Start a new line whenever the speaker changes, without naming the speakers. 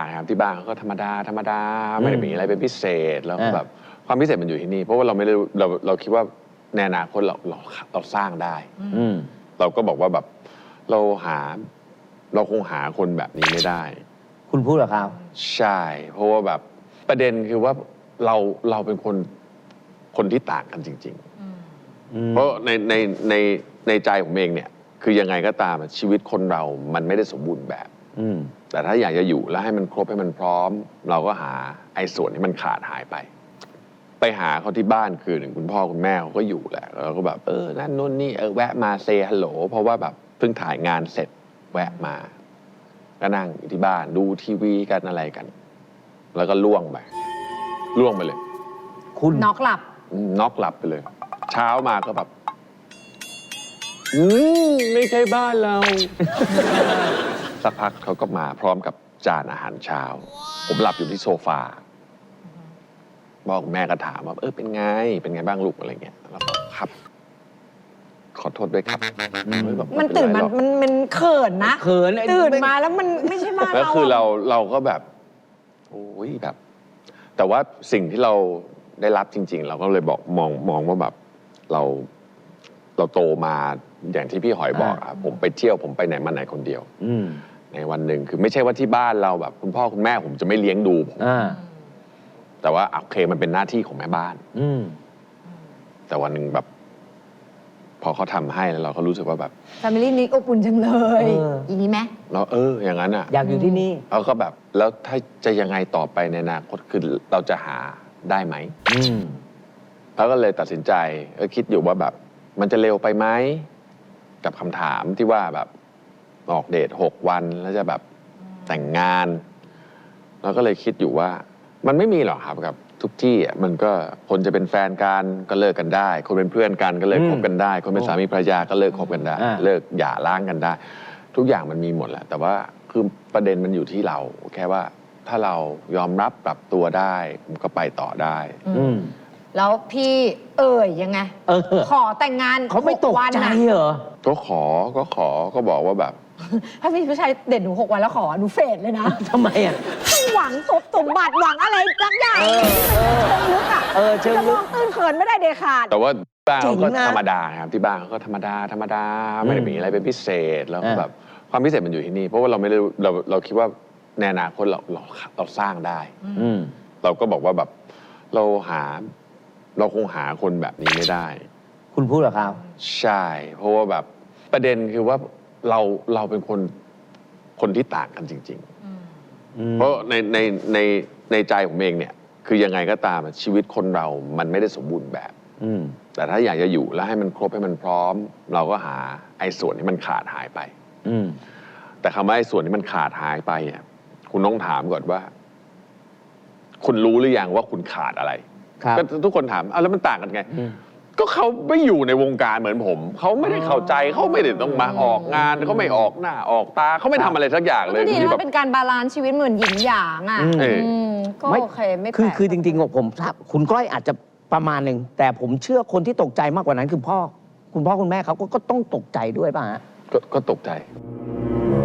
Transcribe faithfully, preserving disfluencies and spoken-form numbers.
ครับที่บ้านเขาก็ธรรมดาธรรมดาไม่ได้มีอะไรเป็นพิเศษแล้วก็แบบความพิเศษมันอยู่ที่นี่เพราะว่าเราไม่ได้เราเราคิดว่าในอนาคตเราเราเราสร้างได้เราก็บอกว่าแบบเราหาเราคงหาคนแบบนี้ไม่ได้
คุณพูดเหรอครับ
ใช่เพราะว่าแบบประเด็นคือว่าเราเราเป็นคนคนที่ต่างกันจริงๆเพราะในในในในใจผมเองเนี่ยคือยังไงก็ตามชีวิตคนเรามันไม่ได้สมบูรณ์แบบแต่ถ้าอยากจะอยู่แล้วให้มันครบให้มันพร้อมเราก็หาไอ้ส่วนที่มันขาดหายไปไปหาเขาที่บ้านคือหนึ่งคุณพ่อคุณแม่เขาก็อยู่แหละแล้วก็แบบเออนั่นนู่นนี่เออแวะมาเซฮัลโหลเพราะว่าแบบเพิ่งถ่ายงานเสร็จแวะมาก็นั่งอยู่ที่บ้านดูทีวีกันอะไรกันแล้วก็ล่วงไปล่วงไปเลย
คุณ
น็อกหลับ
น็อกหลับไปเลยเช้ามาก็แบบอืมไม่ใช่บ้านเรา สักพักเขาก็มาพร้อมกับจานอาหารเช้าผมหลับอยู่ที่โซฟาบอกแม่ก็ถามว่าเออเป็นไงเป็นไงบ้างลูกอะไรเงี้ยแล้วก็ครับขอโทษด้วยครับ
มันตื่นมันมันมันเขินนะ
เขิน
ตื่นมาแล้วมันไม่ใช่บ้านเรา
แล้วคือเราเราก็แบบโอ้ยแบบแต่ว่าสิ่งที่เราได้รับจริงๆเราก็เลยบอกมองมองว่าแบบเราเราโตมาอย่างที่พี่หอยบอกครับผมไปเที่ยวผมไปไหนมาไหนคนเดียวในวันหนึ่งคือไม่ใช่ว่าที่บ้านเราแบบคุณพ่อคุณแม่ผมจะไม่เลี้ยงดูผมแต่ว่าโอเคมันเป็นหน้าที่ของแม่บ้านแต่วันหนึ่งแบบพอเขาทำให้แล้วเราก็รู้สึกว่าแบบ
แฟมิลี่นี้อบอุ่นจังเลยอย่างนี้ไหม
เราเอออย่างนั้นอ่ะ
อยากอยู่ที่นี่
เราก็แบบแล้วถ้าจะยังไงต่อไปในอนาคตคือเราจะหาได้ไหมแล้วก็เลยตัดสินใจก็คิดอยู่ว่าแบบมันจะเร็วไปไหมกับคำถามที่ว่าแบบออกเดทหกวันแล้วจะแบบแต่งงานเราก็เลยคิดอยู่ว่ามันไม่มีหรอกครับกับทุกที่อ่ะมันก็คนจะเป็นแฟนกันก็เลิกกันได้คนเป็นเพื่อนกันก็เลิกคบกันได้คนเป็นสามีภรรยาก็เลิกคบกันได้เลิกหย่าร้างกันได้ทุกอย่างมันมีหมดแหละแต่ว่าคือประเด็นมันอยู่ที่เราแค่ว่าถ้าเรายอมรับปรับตัวได้ผมก็ไปต่อได้
แล้วพี่เอ่ยยังไงขอแต่งงาน
เขาไม่ตกใจเหรอ
ก็ขอก็ขอก็บอกว่าแบบ
ถ้าพี่ผู้ชายเด่นหนูหกวันแล้วขอหนูเฟดเลยนะ
ทำไมอ่ะ
หวังสมสมบัติหวังอะไรสักอย่างเชิงลึกอ่ะจะมองตื้นเขินไม่ได้เด็ดขาด
แต่ว่าบ้านเขาก็ธรรมดาครับที่บ้านเขาก็ธรรมดาธรรมดาไม่ได้มีอะไรเป็นพิเศษแล้วแบบความพิเศษมันอยู่ที่นี่เพราะว่าเราไม่ได้เราเราคิดว่าในอนาคตเราเราเราสร้างได้เราก็บอกว่าแบบเราหาเราคงหาคนแบบนี้ไม่ได้
คุณพูดเหรอครับ
ใช่เพราะว่าแบบประเด็นคือว่าเราเราเป็นคนคนที่ต่างกันจริงๆเพราะในในในในใจผมเองเนี่ยคือยังไงก็ตามชีวิตคนเรามันไม่ได้สมบูรณ์แบบแต่ถ้าอยากจะอยู่แล้วให้มันครบให้มันพร้อมเราก็หาไอ้ส่วนที่มันขาดหายไปแต่คำว่าไอ้ส่วนที่มันขาดหายไปอ่ะคุณต้องถามก่อนว่าคุณรู้หรือยังว่าคุณขาดอะไรก็ทุกคนถามอ้าวแล้วมันต่างกันไงก็เขาไม่อยู่ในวงการเหมือนผมเขาไม่ได้เข้าใจเขาไม่ได้ต้องมาออกงานเขาไม่ออกหน้าออกตาเขาไม่ทำอะไรสักอย่างเลย
ดีนะเป็นการบาลานซ์ชีวิตเหมือนหยินหยางอ่ะก็โอเคไม่แปลก
คือคือจริงๆผมคุณก้อยอาจจะประมาณหนึ่งแต่ผมเชื่อคนที่ตกใจมากกว่านั้นคือพ่อคุณพ่อคุณแม่เขาก็ต้องตกใจด้วยป่ะฮะ
ก็ตกใจ